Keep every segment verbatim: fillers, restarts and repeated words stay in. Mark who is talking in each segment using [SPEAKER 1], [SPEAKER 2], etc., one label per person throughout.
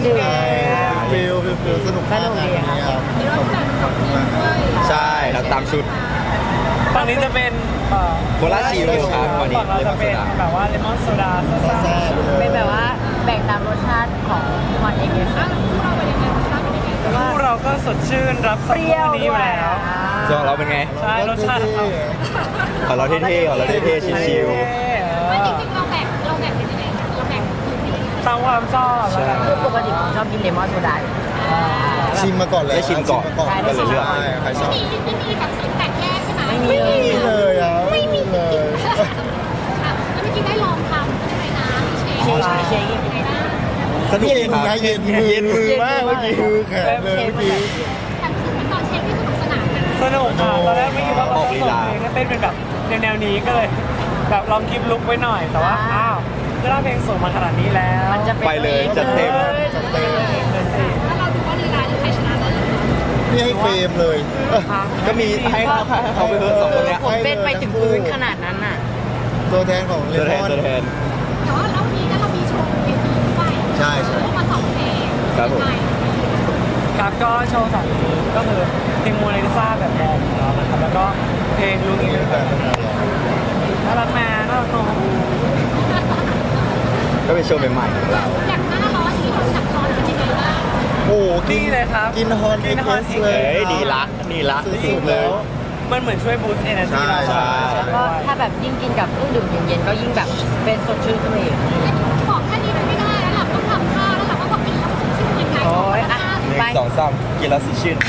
[SPEAKER 1] ดื่ม
[SPEAKER 2] ฟิลฟิลฟิลสนุกมาก
[SPEAKER 1] สนุกดีครับ
[SPEAKER 2] ครับขอบคุณขอบคุณมากครับ
[SPEAKER 3] ใช่เราตามชุด
[SPEAKER 4] ฝั่งนี้จะเป็นเอ่อ
[SPEAKER 3] โคลาชิลครับฝั่งนี้
[SPEAKER 4] ฝั่งเราจะเป็น
[SPEAKER 3] เลมอนโซดา
[SPEAKER 4] แบบว่าเลมอนโซดาซ่า
[SPEAKER 2] ซ่าๆไปเลย
[SPEAKER 1] เป็นแบบว่าแบ่งตามรสชาติของมอนเองเลยค่ะ
[SPEAKER 4] ๆคู่เราก็สดชื่นรับ
[SPEAKER 1] เปรี้ยว
[SPEAKER 4] นี้อ
[SPEAKER 1] ด้
[SPEAKER 4] ยู่
[SPEAKER 1] วย
[SPEAKER 4] แล้ว
[SPEAKER 3] ส่วนของเราเป็นไง
[SPEAKER 4] ใช่รสชาติของเรา
[SPEAKER 3] ของเราเท่ๆของเราเท่ๆชิว
[SPEAKER 5] ไม่จริงๆเราแบ่งเราแบ่งเป็นยังไงคะเราแบ่งคือเป็นยังไง
[SPEAKER 4] ตามความชอบแล้วกัน
[SPEAKER 1] คือปกติผมชอบกินเลมอนโซดาอยู่
[SPEAKER 2] ชิมมาก่อนเลย
[SPEAKER 3] ได้ชิมก่อน
[SPEAKER 2] ชิ
[SPEAKER 3] ก็เลยเลือก
[SPEAKER 2] ใช่ใครชอบ
[SPEAKER 5] มีไม่มีแบบสูตรแบ่งแยกใช่ไหม
[SPEAKER 1] ไม่มีเลย
[SPEAKER 2] ไม่มีเลยอ่ะไม่มีเลย
[SPEAKER 5] ค่ะแล้วเมื่อกี้ได้ลองทำใช่ไหมนะมีเชค
[SPEAKER 1] เชคเชค
[SPEAKER 5] ยังไงนะ
[SPEAKER 3] ๆสนุก
[SPEAKER 2] เย็
[SPEAKER 3] ดี
[SPEAKER 2] น
[SPEAKER 3] ครับ
[SPEAKER 2] นะเย็นมือ
[SPEAKER 3] เย็นมือมากเมื่อกี้
[SPEAKER 2] มือแข็งเลยเมื่อกี้
[SPEAKER 5] แต่รู้สึกเหมือนตอนเชคที่สนุกสนานกัน
[SPEAKER 4] สนุกค่ะตอนแรกไม่คิดว่าเขา
[SPEAKER 3] ออก
[SPEAKER 4] จะ
[SPEAKER 3] ลี
[SPEAKER 4] ส่ง
[SPEAKER 3] ลา
[SPEAKER 4] เพลงให้เต้นเป็นแบบแนวๆนี้ก็เลย แบบลองคลิปลุกไว้หน่อยแต่ว่าอ้าวก็ได้เพลงส่งมาขนาดนี้แล้ว
[SPEAKER 1] มันจะ
[SPEAKER 3] ไปเลยจัดเต็ม
[SPEAKER 1] จัดเต็ม
[SPEAKER 4] เลยสิ
[SPEAKER 5] แล้วเราดูว่าลีลาจะใครชนะเลย
[SPEAKER 2] นี่ให้เฟรมเลย
[SPEAKER 3] ก็มีให้เขาให้เขาไปเพิ่มสองคนเนี้ย
[SPEAKER 1] ผมเป็นไปถึงพื้นขนาดนั้นน่ะ
[SPEAKER 2] ตัวแทนของเล
[SPEAKER 3] ตัวแท
[SPEAKER 2] ม
[SPEAKER 3] น
[SPEAKER 2] อน
[SPEAKER 3] ตัวแทน
[SPEAKER 5] แต่ว่าแล้วนี้ก็เรามีโชว์เวทีด้วย
[SPEAKER 2] ใช่ใช่
[SPEAKER 5] พวกมาสองเพลง
[SPEAKER 3] ครับผม
[SPEAKER 5] ใช่
[SPEAKER 4] ครับก็โชว์สองเพลงก็คือเพลงโมนาลิซาแบบแดนของเรานะครับแล้วก็เพลงลุงอีกแบบน่ารักแม่น่ารักน้อง
[SPEAKER 3] ก็เป็นโชว์ใหม่ๆของเรา
[SPEAKER 5] อย่างหน้าร้อนที่เราจับร้อนเป็นยังไงบ้าง
[SPEAKER 2] โอ้โหกิ
[SPEAKER 4] นี่เลยครับ
[SPEAKER 2] กินฮอน
[SPEAKER 4] กินฮอน
[SPEAKER 2] เอ็กซ์
[SPEAKER 4] อีก
[SPEAKER 2] เล
[SPEAKER 3] เอ้
[SPEAKER 2] ย
[SPEAKER 3] ยดีละดีละ
[SPEAKER 2] สุดๆแล้ว
[SPEAKER 4] มันเหมือนช่วยบูสต์เอเนอร์จีเรา
[SPEAKER 2] ใช่
[SPEAKER 1] แล้วก็ถ้าแบบยิ่งกินกับเครื่องดื่มเย็นๆก็ยิ่งแบบเป็นสดชื่นขึ้นมาอีก
[SPEAKER 5] บอกแค่นี้มันไม่ได้แล้วเราต้องทำท่าแล้วเราก็บอกกินแล้วมันชื่อยังไง
[SPEAKER 1] โอ้ยอ่ะ
[SPEAKER 3] หนึ่งสองสามกินแล้วสิชื่น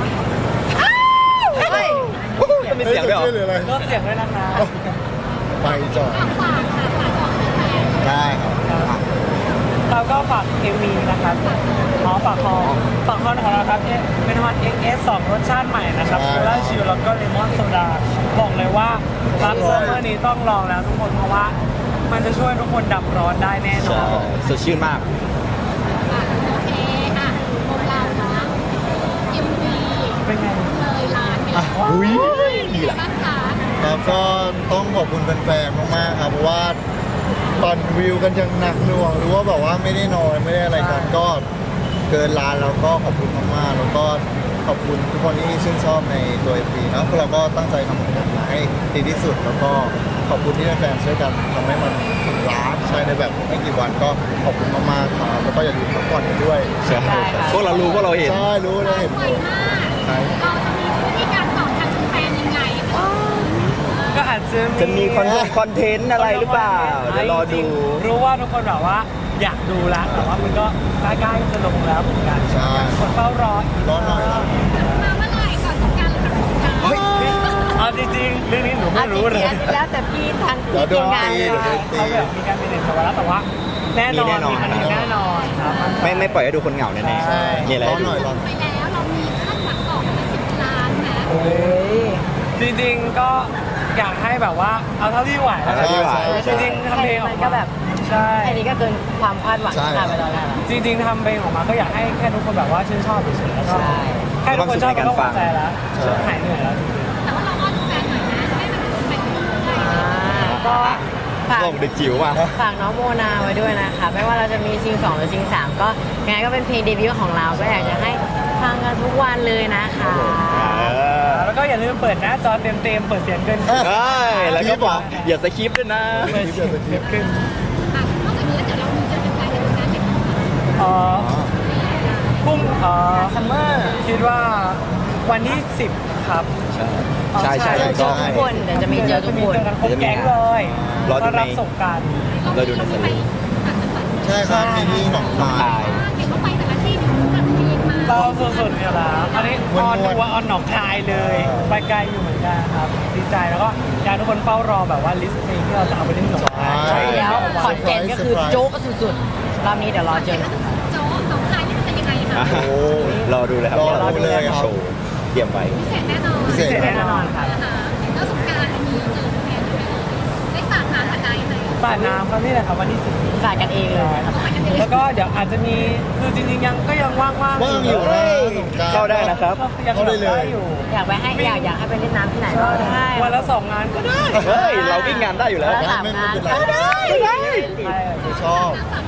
[SPEAKER 1] เฮ้ย
[SPEAKER 3] จะมีเสียงด้วยเหรอ
[SPEAKER 2] หรืออะไร
[SPEAKER 4] ลดเสียงด้วยนะคะ
[SPEAKER 2] ไปจอด
[SPEAKER 5] ฝากฝากค่ะฝากบอกแฟน
[SPEAKER 2] ได้ครับ
[SPEAKER 4] เราก็ฝากเอ็มวีนะครับอ๋อฝากคอฝากคอของเราครับเป็นฮอน เอ็กซ์ เอส สองรสชาติใหม่นะครับ
[SPEAKER 2] ใช่
[SPEAKER 4] โคลาชิลแล้วก็เลมอนโซดาบอกเลยว่ารับเซอร์เมอร์นี้ต้องลองแล้วทุกคนเพราะว่า มันจะช่วยทุกคนดับร้อนได้แน่นอ
[SPEAKER 3] ใช่
[SPEAKER 4] น
[SPEAKER 3] สดชื่นมาก
[SPEAKER 5] อ่ะโอเคอ่ะโมเรานะเอ็มวี
[SPEAKER 4] เป็นไง
[SPEAKER 5] เลยล้านไปแล้ว
[SPEAKER 3] อุ้ย
[SPEAKER 5] ดี
[SPEAKER 3] ดี
[SPEAKER 5] ละ
[SPEAKER 3] ละ
[SPEAKER 5] บ้างคะ
[SPEAKER 2] ครับก็ต้องขอบคุณแฟนๆ มากๆ ครับ เพราะว่าตอนวิวกันยังหนักหน่วงหรือว่าแบบว่าไม่ได้นอนไม่ได้อะไรกันก็เกินล้านแล้วก็ขอบคุณมากๆ แล้วก็ขอบคุณทุกคนที่ชื่นชอบในตัวเอ็มวีนะพวกเราก็ตั้งใจทำผลงานมาให้ดีที่สุด แล้วก็ขอบคุณที่แฟนๆช่วยกันทำให้มันถึงล้านใช่ในแบบไม่กี่วันก็ขอบคุณมากๆครับแล้วก็อย่าลืมพักผ่อนกันด้วย
[SPEAKER 3] ใช่พวกเรารู้พวกเราเห็น
[SPEAKER 2] ใช่รู้เลยเห็น
[SPEAKER 5] ไวมาก
[SPEAKER 2] ใช่
[SPEAKER 5] เราจะมีวิธีการตอบแทนแฟนยังไง
[SPEAKER 4] ก็อาจจะ
[SPEAKER 3] จะมีคอนคอนเทนต์อะไรหรือเปล่า เดี๋ยวรอดู
[SPEAKER 4] รู้ว่าทุกคนแบบว่าอยากดูแล้วแต่ว่ามันก็ใกล้ๆจะลงแล้วเหมือนกัน
[SPEAKER 2] ใช่
[SPEAKER 4] คนเฝ้ารออีก
[SPEAKER 2] รอหน่อย
[SPEAKER 5] มาเมื่อไหร่ก่อนสงกรารหรือหลังสงกราร
[SPEAKER 4] เอาจริงๆเรื่องนี้หนูไม่รู้เลย
[SPEAKER 1] อันนี้แล้วแต่พี่ทาง
[SPEAKER 2] เดี๋ยวโด
[SPEAKER 1] ทีม
[SPEAKER 2] น
[SPEAKER 1] งาน
[SPEAKER 2] ตี
[SPEAKER 1] เลย
[SPEAKER 2] เดี๋ยวโดนตี
[SPEAKER 4] เขาแบบมีการเป็นเด็กมาแล้วแต่ว่าแน่นอน
[SPEAKER 3] มีแน่นอน
[SPEAKER 4] มีมันมีแน่นอนครับ
[SPEAKER 3] ไม่ไม่ปล่อยให้ดูคนเหงาแน่
[SPEAKER 4] ใช่
[SPEAKER 3] ๆนี่อะไร
[SPEAKER 2] รอ
[SPEAKER 3] ให้
[SPEAKER 2] ห
[SPEAKER 3] ดู
[SPEAKER 2] น่อยรอหน่
[SPEAKER 5] ไป
[SPEAKER 2] อย
[SPEAKER 5] แล้วเรามีคาดหวังต่อมาสิบล้านนะ
[SPEAKER 1] เฮ้ย
[SPEAKER 4] จริงๆก็อยากให้แบบว่าเอาเท่าที่ไหว
[SPEAKER 3] เอาเท่าที่ไหว
[SPEAKER 4] จริงๆทำเพลงออก
[SPEAKER 1] มัน
[SPEAKER 4] มา
[SPEAKER 1] ก็แบบ
[SPEAKER 4] ใช่
[SPEAKER 1] แค่นี้ก็เกินความคาดหวังที่คาดไปตอนแรกแล้ว
[SPEAKER 4] จริงๆทำเพลงออกมาก็อยากให้แค่ทุกคนแบบว่าชื่นชอบเฉยๆแล้วก็
[SPEAKER 1] ใช่
[SPEAKER 4] แค่ทุกคนชอบก็พอใจแล้ว
[SPEAKER 2] ใช่
[SPEAKER 4] หายเหนื่อยแล้ว
[SPEAKER 5] แต่ว่าเราอ้อนแฟนหน่อยนะให้มันไปเรื่อย
[SPEAKER 1] อ่าก็ฝาก
[SPEAKER 3] ส่งเด็กจิ๋วมา
[SPEAKER 1] ฝากน้องโมนาไว้ด้วยนะคะ ไม่ว่าเราจะมีซิงสองหรือซิงสามก็ยังไงก็เป็นเพลงเดบิวต์ของเรา ก็อยากจะให้ฟังกันทุกวันเลยนะคะ
[SPEAKER 3] เออ
[SPEAKER 4] แล้วก็อย่าลืมเปิดหน้าจอเต็มๆเปิดเสียงเกิน
[SPEAKER 2] เออ
[SPEAKER 3] ใช่แล้วก็บอกอย่าสคริปต์ด้วยนะ
[SPEAKER 4] เปิดเสียงเกิน
[SPEAKER 5] ๆอ่ะนอกจากนี้แล้วเดี๋ยวเรามีเจอแฟนๆในงานเด็กของเรา
[SPEAKER 4] เอ่อพรุ่งเอ่อซัมเมอร์คิดว่าวันที่สิบครับ
[SPEAKER 3] ใช่ใช่
[SPEAKER 1] เจ
[SPEAKER 3] ใช่
[SPEAKER 1] อทุกคนเดี๋ยวจะมีเจอทุกคน
[SPEAKER 4] เจอกันครบแก๊งเลย
[SPEAKER 3] รอดูใน
[SPEAKER 4] ต้นรับสงกราร
[SPEAKER 3] เราดูในสลิป
[SPEAKER 5] ต่างจังหวัด
[SPEAKER 2] ใช่ครับมีที่หนองคา
[SPEAKER 3] ใช่
[SPEAKER 2] ย
[SPEAKER 5] เห็นว่าไปแต่ละที่เนี่ยจัดเพลงมา
[SPEAKER 4] เราสุดๆเนี่ยแล้วอันนี้ออนดูว่าออนหนองคายเลย ไปไกลอยู่เหมือนกันครับดีใจแล้วก็อยากให้ทุกคนเฝ้ารอแบบว่าลิสต์เพลงที่เราจะเอาไปเล่นหนองคาย
[SPEAKER 1] ใช่แล้วขอนแก่นก็คือโจ๊กสุดๆรอบนี้เดี๋ยวรอเจอกัน
[SPEAKER 5] โจ๊กหนองคายนี่มันจะยังไงคะ
[SPEAKER 2] โอ้
[SPEAKER 3] รอดูเลยครับ
[SPEAKER 2] รอดูเลยครับ
[SPEAKER 3] โชว์เตรียมไว้
[SPEAKER 5] พิเศษแน่นอน
[SPEAKER 2] พิเศษ
[SPEAKER 4] แน่นอนครับ
[SPEAKER 5] นะคะแล้วสงกรารมีเจอแฟนไหมได้สาดน้ำอะไรไหม
[SPEAKER 4] สาดน้ำครับนี่แหละครับวันที่สิบ
[SPEAKER 1] สายกันเองเลยครับ
[SPEAKER 4] แล้วก็เดี๋ยวอาจจะมีคือจริงๆยังก็ยังว่างๆ
[SPEAKER 2] ว่างอยู่นะสงกรานต์
[SPEAKER 3] เข้าได้นะครับ
[SPEAKER 4] ยัง
[SPEAKER 2] เข้าได้เลย
[SPEAKER 4] อยู่
[SPEAKER 1] อยากไปให้อยากอยากให้ไปเล่นน้ำที่ไหนก็ได้
[SPEAKER 4] วันละสองงานก็ได้
[SPEAKER 3] เฮ้ย เราวิ่งงานได้อยู่แล้ว
[SPEAKER 1] วันละสามงาน
[SPEAKER 2] ไม่เป็นไร
[SPEAKER 1] ก็ได้
[SPEAKER 4] ใช่
[SPEAKER 2] ชอบ
[SPEAKER 5] น้ำสามแป้งไปได้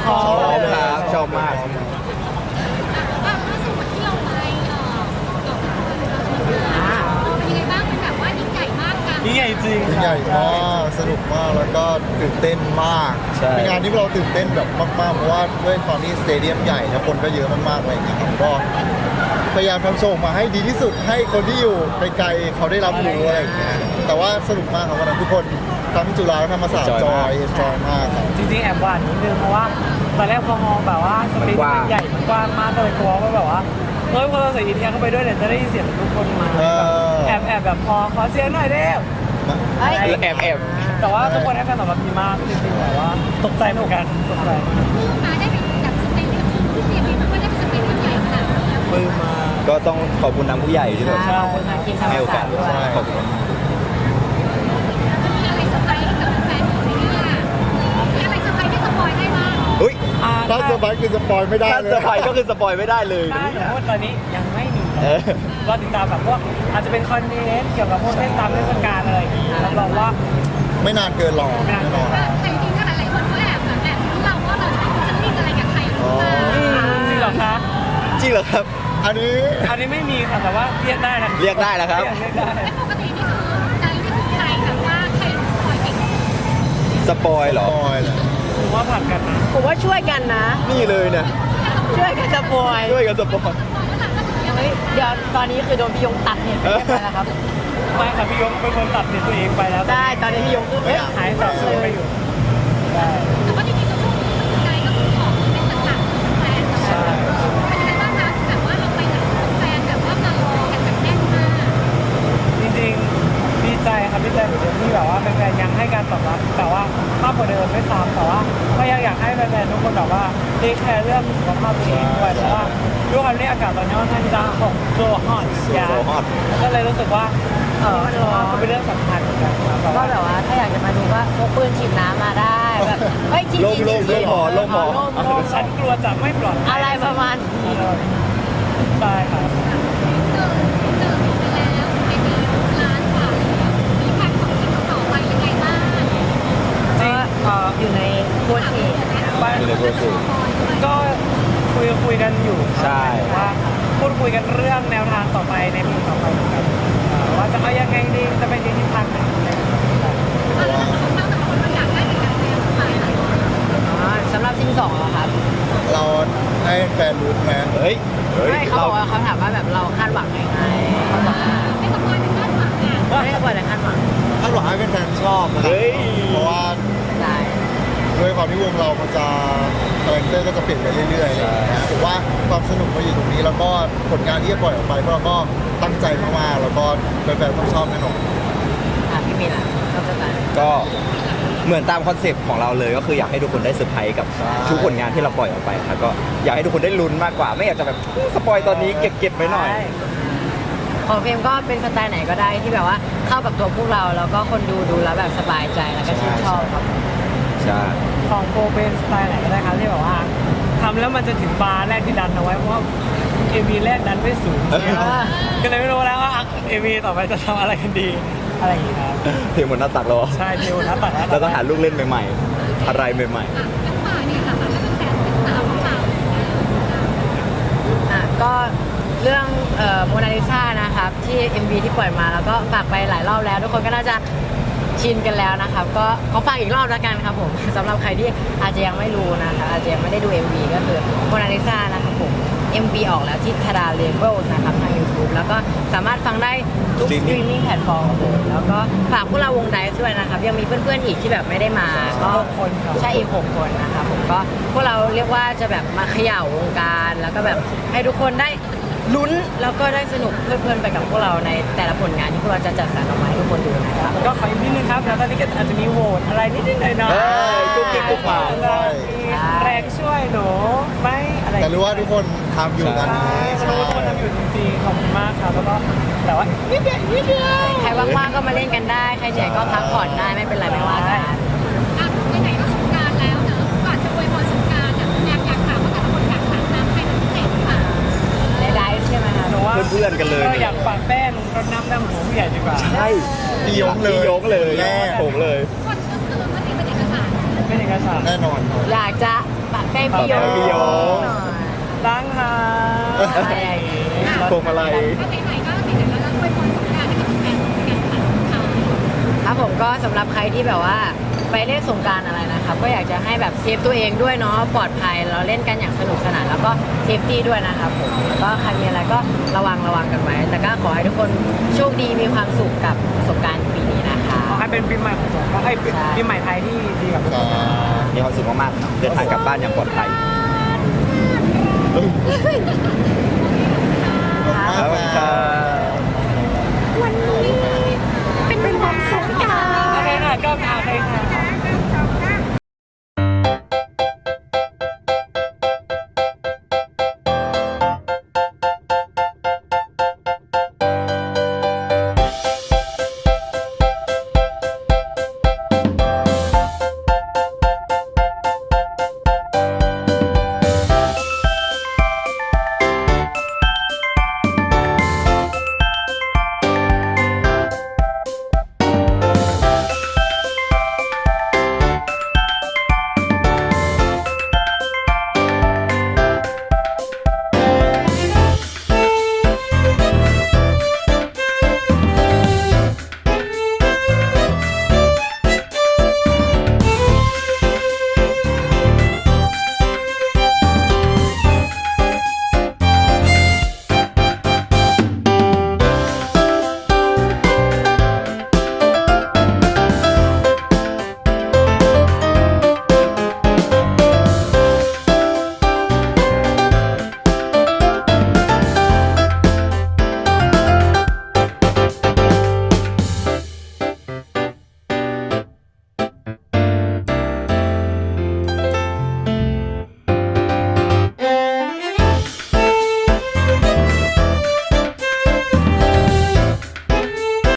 [SPEAKER 4] พร้อม
[SPEAKER 3] ชอบครับชอบมาก
[SPEAKER 5] อ่ะล่าสุดที่เราไปเอ่อเราเป็นยังไงบ้างเป็นแบบว่ายิ่งใหญ่มากกัน
[SPEAKER 4] ยิ่งใหญ่จริง
[SPEAKER 2] ใหญ่มากสนุกมากแล้วก็ตื่นเต้นมาก
[SPEAKER 3] ใช่
[SPEAKER 2] เป็นงานที่เราตื่นเต้นแบบมากๆเพราะว่าด้วยความที่สเตเดียมใหญ่แล้วคนก็เยอะมากๆอะไรอย่างเงี้ยครับก็พยายามทำโชว์ออกมาให้ดีที่สุดให้คนที่อยู่ไกลๆเขาได้รับรู้อะไรอย่างเงี้ยแต่ว่าสนุกมากครับวันนั้นทุกคนทั้งจุฬาและธรรมศาสตร์จอยจอยมากครับ
[SPEAKER 4] จริงๆแอบหวานนิดนึงเพราะว่าตอนแรกพอมองแบบว่าสเปซมันใหญ่มันกว้างมากเลยกลัวว่าแบบว่าเฮ้ยพอเราใส่อินเดียเข้าไปด้วยเนี่ยจะได้ยินเสียงทุกคนมา
[SPEAKER 2] เออ
[SPEAKER 4] แอบแอบแบบพอขอเสียงหน่อยเด้ว
[SPEAKER 1] เฮ้ย
[SPEAKER 3] แอบแอบ
[SPEAKER 4] แต่ว่าทุกคนให้การตอบรับดีมากจริงๆแบบว่าตกใจเหมือนกันตกใจ
[SPEAKER 5] ลูกมาได้เป็นแบบสเปนที่ที่เตรียมมาว่าได้เป็นสเปนที่ใหญ่ขนาดนี้
[SPEAKER 4] ปืนมา
[SPEAKER 3] ก็ต้องขอบคุณทางผู้ใหญ่ที่แบบ
[SPEAKER 1] ใช่ขอบคุณทางทีมธรรม
[SPEAKER 3] ให้โอ
[SPEAKER 1] ศาก
[SPEAKER 3] า
[SPEAKER 1] ส
[SPEAKER 3] ส
[SPEAKER 1] ตร์ด้วย
[SPEAKER 3] ขอบคุณมาก
[SPEAKER 5] จะมีอะไรเซอร์ไพรส์ให้กับแฟนๆของเนี่ยมีอะไรเซอร์ไพรส์ที่สปอยได้บ้าง
[SPEAKER 3] อุ้ย
[SPEAKER 4] อ่า
[SPEAKER 2] ถ้าเซอร์ไพรส์คือสปอยไม่ได้
[SPEAKER 3] ถ้า
[SPEAKER 2] เล
[SPEAKER 3] เซอย ร์ไพรส์ก็คือสปอยไม่ได้เลย
[SPEAKER 4] ได้แต่ว่าตอนนี้ยังไม่มี
[SPEAKER 3] เออ
[SPEAKER 4] รอติดตามแบบพวกอาจจะเป็นคอนเทนต์เกี่ยวกับพวกเทศกาลเทศกาลอะไรอย่างเงี้ยรับรองว่า
[SPEAKER 2] ไม่นานเกินรอ
[SPEAKER 4] ไม่นาน
[SPEAKER 2] แน่นอน
[SPEAKER 5] แต่จริงๆก็หลายๆคนก็แอบแบบแอบรู้เราว่าเราจะเป็นจะมีอะไรกับใครหรือเปล่า
[SPEAKER 4] จริงเหรอคะ
[SPEAKER 3] จริงเหรอครับ
[SPEAKER 2] อันนี้
[SPEAKER 4] อันนี้ไม่มีค่ะแต่ว่าเรียกได้นะ
[SPEAKER 3] เรียกได้แล้วครับ
[SPEAKER 4] เรียกได้
[SPEAKER 5] และปกตินี่คือการเรียกใครแบบว่าใครสปอยเก่ง
[SPEAKER 3] สปอยเหร
[SPEAKER 2] ส
[SPEAKER 3] อ
[SPEAKER 2] ปอยเลย
[SPEAKER 4] ผมว่าผ่านกันนะ
[SPEAKER 1] ผมว่าช่วยกันนะ
[SPEAKER 3] นี่เลยเนี่ย
[SPEAKER 1] ช่วยกันสปอย
[SPEAKER 3] ด้วยกันสปอย
[SPEAKER 1] เฮ้ยเดี๋ยวตอนนี้คือโดนพี่ยงตัดเห็นไปเรียบร้อยแล้วครับ
[SPEAKER 4] ไม่ค่ะพี่ยงเป็นคนตัดเน็ตตัวเองไปแล้ว
[SPEAKER 1] ได้ตอนนี้พี่ยงคือเอ๊ะ
[SPEAKER 4] หายสับสนไปอยู่ได้
[SPEAKER 5] แต่ว่าจริงๆก็ช่วงนี้ใครก็คือของเป็นต่างๆแฟนๆ
[SPEAKER 4] ใช่
[SPEAKER 5] เป็นยังไงบ้างคะแบบว่าเราไปไหนแฟนแบบว่ามารอกันแบบแน่นมาก
[SPEAKER 4] จริงๆดีใจครับดีใจเหมือนเดิมที่แบบว่าแฟนๆยังให้การตอบรับแต่ว่ามากกว่าเดิมไม่ซ้ำแต่ว่าก็ยังอยากให้แฟนๆทุกคนแบบว่าเทคแคร์เรื่องสุขภาพตัวเองด้วยเพราะว่าด้วยความที่อากาศตอนนี้ค่อนข้างที่จะหกโซฮอตยา
[SPEAKER 3] โซฮอต
[SPEAKER 4] ก็เลยรู้สึกว่าเออสุขภาพก็เป็นเรื่องสำคัญเหมือนกันครับ
[SPEAKER 1] ก็แบบว่าถ้าอยากจะมาดูก็พกปืนฉีดน้ำมาได้แบบเฮ้ยจริงๆ
[SPEAKER 3] โล่งโล่ง
[SPEAKER 1] จริงๆ
[SPEAKER 3] โล่งพอโล่งพอ
[SPEAKER 1] โล่งโล่ง
[SPEAKER 4] ฉันกลัวจะไม่ปลอดภัย
[SPEAKER 1] อะไรประมาณนี้
[SPEAKER 4] ใช่ครับ
[SPEAKER 5] เดินเดินไปแล้วไปมีร้านกว่ามีแพ็คของสิ่งต่อไปยังไงบ้าง
[SPEAKER 4] จริงเอ่อ
[SPEAKER 1] อยู่ในโปรเซส
[SPEAKER 4] ไป
[SPEAKER 3] อยู่ในโปรเซส
[SPEAKER 4] ก็คุยคุยกันอยู่ครับ
[SPEAKER 3] ใช่
[SPEAKER 4] ว่าพูดคุยกันเรื่องแนวทางต่อไปในปีต่อไปเหมือนกันอ่าว่าจะเอายังไงดีจะไปในทิศทางไหนอะไรอย่างเงี้ยครับ
[SPEAKER 5] ของเราแต่ละคนก็อยากได้เหมือนกันแล้วไปหลายคน
[SPEAKER 1] อ๋อสำหรับซิงสองเหรอครับ
[SPEAKER 2] เราให้แฟนรู้ไหม
[SPEAKER 3] เฮ้ย เฮ้ย
[SPEAKER 1] ไม่เขาบอกว่าเขาถามว่าแบบเราคาดหวังยังไงเขาบอกว่า
[SPEAKER 5] ไม่สปอยเป็นคาดหวังอ่ะ
[SPEAKER 1] ไม่ได้บอกแต่คาดหวัง
[SPEAKER 2] คาดหวังให้แฟนๆชอบนะครับ
[SPEAKER 3] เฮ้ย
[SPEAKER 2] เพราะว่า
[SPEAKER 1] ได้
[SPEAKER 2] ด้วยความที่วงเรามันจะคาแรคเตอร์ก็จะเปลี่ยนไปเรื่อยๆอะไรอย่างเงี้ยผมว่าความสนุกมาอยู่ตรงนี้แล้วก็ผลงานที่จะปล่อยออกไปพวกเราก็ตั้งใจมากๆแล้วก็แฟนๆต้องชอบแน่นอน
[SPEAKER 1] อ่ะพี่มีนอ่ะชอบสไตล์
[SPEAKER 3] ก็เหมือนตามคอนเซปต์ของเราเลยก็คืออยากให้ทุกคนได้เซอร์ไพรส์กับ
[SPEAKER 2] ใช่
[SPEAKER 3] ทุกผลงานที่เราปล่อยออกไปครับก็อยากให้ทุกคนได้ลุ้นมากกว่า ไม่อยากจะแบบสปอยตอนนี้เก็บเก็บไว้หน่อย
[SPEAKER 1] ของเฟรมก็เป็นสไตล์ไหนก็ได้ที่แบบว่าเข้ากับตัวพวกเราแล้วก็คนดูดูแล้วแบบสบายใจแล้วก็ชื่นชอบครับ
[SPEAKER 3] ใช่
[SPEAKER 4] ของโปรเป็นสไตล์ไหนก็ได้ครับที่แบบว่าทำแล้วมันจะถึงบาร์แรกที่ดันเอาไว้เพราะว่าเอวีแรกดันไม่สูงก็เลยไม่รู้แล้วว่าเอวีต่อไปจะทำอะไรกันดีอะไรอย่างเงี้ยครับ
[SPEAKER 3] เพลงบนหน้าตักเรา
[SPEAKER 4] ใช่เทวนะตัดนะ
[SPEAKER 3] เราต้องหาลูกเล่นใหม่ๆ อะไรใหม่
[SPEAKER 5] อ่ะทั้งฝ่ายเนี่ยค่ะถ้าเป็นแฟนเป็นตามของเรา
[SPEAKER 1] อ่ะก็เรื่องโมนาลิซานะครับที่ เอ็ม วี ที่ปล่อยมาแล้วก็ฝากไปหลายรอบแล้ว ทุกคนก็น่าจะชินกันแล้วนะครับก็ขอฝากอีกรอบแล้วกันครับผมสำหรับใครที่อาจจะยังไม่รู้นะคะอาจจะยังไม่ได้ดู เอ็ม วี ก็คือโมนาลิซานะครับผม เอ็ม วี ออกแล้วที่ทาดาเลเบิลนะครับทาง YouTube แล้วก็สามารถฟังได้ทุกสตรีมมิ่งแพลตฟอร์มเลยแล้วก็ฝากพวกเราวงไดซ์ด้วยนะครับยังมีเพื่อนๆอีกที่แบบไม่ได้มาก็
[SPEAKER 4] หกคนครับ
[SPEAKER 1] ใช่อีกหกคนนะครับผมก็พวกเราเรียกว่าจะแบบมาเขย่าวงการแล้วก็แบบให้ทุกคนได้ลุ้นแล้วก็ได้สนุกเพลินๆไปกับพวกเราในแต่ละผลงานที่พวกเราจะจัดสรรออกมาให้ทุกคนดูนะครับ
[SPEAKER 4] ก็ขออีกนิดนึงครับแล้วตอนนี้ก็อาจจะมีโหวตอะไรนิดๆหน่อยๆ
[SPEAKER 3] เอ้ยกุ๊กกิ๊กกุ๊กกิ๊ก
[SPEAKER 4] จะมีแรงช่วยหนูไหมอะไร
[SPEAKER 2] แต่รู้ว่าทุกคนทำอยู่กัน
[SPEAKER 4] ใช่
[SPEAKER 2] นี้
[SPEAKER 4] รู้ว่าทุกคนทำอยู่จริงๆขอบคุณมากครับแล้วก็แต่ว่านิดเดียวนิดเดียว
[SPEAKER 1] ใครว่างๆก็มาเล่นกันได้ ใครเหนื่อยก็พักผ่อนได้ไม่เป็นไรไม่ว่ากัน
[SPEAKER 5] อ่ะไหนๆก็สงกรานต์แล้วเนอะก่อนจะอวยพรสงกรานต์อ่ะอยากอยากถามว่าแต่ละคนอยากสาดน้ำใครเป็นพิเศษหรือเปล่า
[SPEAKER 1] ในไดฟ์ใช่ไหมคะ
[SPEAKER 4] หนูว่า
[SPEAKER 3] เพื่อนๆกันเลย
[SPEAKER 4] ก็อยากปะแป้งรดน้ำดำหัวผู้ใหญ่ดีกว่า
[SPEAKER 3] ๆ ใช่
[SPEAKER 2] พี่ยกเลย
[SPEAKER 3] พี่ยกเลย
[SPEAKER 2] แน่
[SPEAKER 3] ผมเลย
[SPEAKER 5] คนก็คือว่านี่เป็นเอกสาร
[SPEAKER 4] เป็นเอกสาร
[SPEAKER 2] แน่นอนครับ
[SPEAKER 1] อยากจะปะใกล้พี่โย
[SPEAKER 3] ใกล้พี่โย
[SPEAKER 1] หน่อย
[SPEAKER 4] ดังค่ะ
[SPEAKER 1] อะไรอย่างงี้
[SPEAKER 3] พวงมาลัย
[SPEAKER 5] ก็ไหนๆก็ไหนๆแล้วเราอวยพรสงกรานต์ให้กับแฟนๆกันค่ะ
[SPEAKER 1] ครับผมก็สำหรับใครที่แบบว่าไปเล่นสงกรารอะไรนะครับก็อยากจะให้แบบเซฟตัวเองด้วยเนาะปลอดภัยเราเล่นกันอย่างสนุกสนานแล้วก็เซฟตี้ด้วยนะครับผมแล้วก็ใครมีอะไรก็ระวังระวังกันไว้แต่ก็ขอให้ทุกคนโชคดีมีความสุขกับสงกรารปีนี้นะคะ
[SPEAKER 4] ขอให้เป็นปีใหม่ของสงกรานต์ไอ้ย
[SPEAKER 1] ใช่
[SPEAKER 4] ปีใหม่ไทยที่ดีกับทุกคน
[SPEAKER 3] มีความสุขมากๆเดินทางกลับบ้านอย่างปลอดภัย
[SPEAKER 2] ขอบคุณ
[SPEAKER 3] ขอบคุณ
[SPEAKER 2] ค
[SPEAKER 3] ค
[SPEAKER 2] รั
[SPEAKER 3] รับ บ